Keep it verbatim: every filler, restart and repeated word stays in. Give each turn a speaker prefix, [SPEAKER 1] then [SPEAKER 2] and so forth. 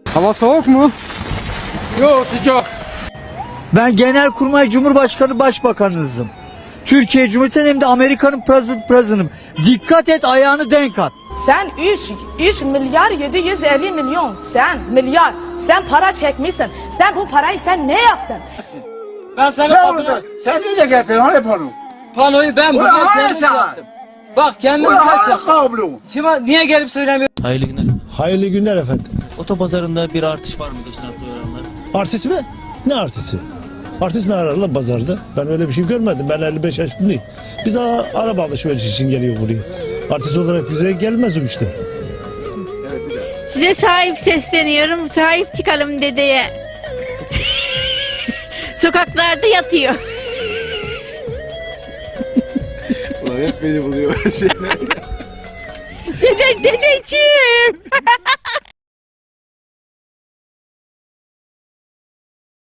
[SPEAKER 1] Hava soğuk mu?
[SPEAKER 2] Yok, sıcak.
[SPEAKER 3] Ben Genelkurmay Cumhurbaşkanı Başbakanınızım. Türkiye Cumhuriyeti'nin hem de Amerika'nın president president'ım. Dikkat et, ayağını denk at.
[SPEAKER 4] Sen üç, üç milyar yedi yüz elli milyon. Sen milyar. Sen para çekmişsin. Sen bu parayı sen ne yaptın?
[SPEAKER 2] Ben sana
[SPEAKER 5] Ne
[SPEAKER 2] kapına-
[SPEAKER 5] olursa sen niye getirdin hani pano?
[SPEAKER 2] panoyu ben
[SPEAKER 5] Ulan
[SPEAKER 2] burada
[SPEAKER 5] hayır
[SPEAKER 2] kendim
[SPEAKER 5] sen.
[SPEAKER 2] yaptım. Bak kendim
[SPEAKER 5] Ulan
[SPEAKER 2] kaç
[SPEAKER 5] hani
[SPEAKER 2] yaptım.
[SPEAKER 5] kablo?
[SPEAKER 2] Şimdi niye gelip söylemiyorsun?
[SPEAKER 6] Hayırlı günler.
[SPEAKER 7] Hayırlı günler efendim.
[SPEAKER 6] Otopazarında bir artış var mı geçen hafta oranlar?
[SPEAKER 7] Artist mi? Ne artisti? Artist ne arar lan pazarda? Ben öyle bir şey görmedim. Ben elli beş yaşındayım. Biz a- araba alışverişi için geliyor buraya. Artist olarak bize gelmez o işte.
[SPEAKER 8] Size sahip sesleniyorum. Sahip çıkalım dedeye. Sokaklarda yatıyor.
[SPEAKER 1] Ulan hep beni buluyor.
[SPEAKER 8] Dede, dedeciğim.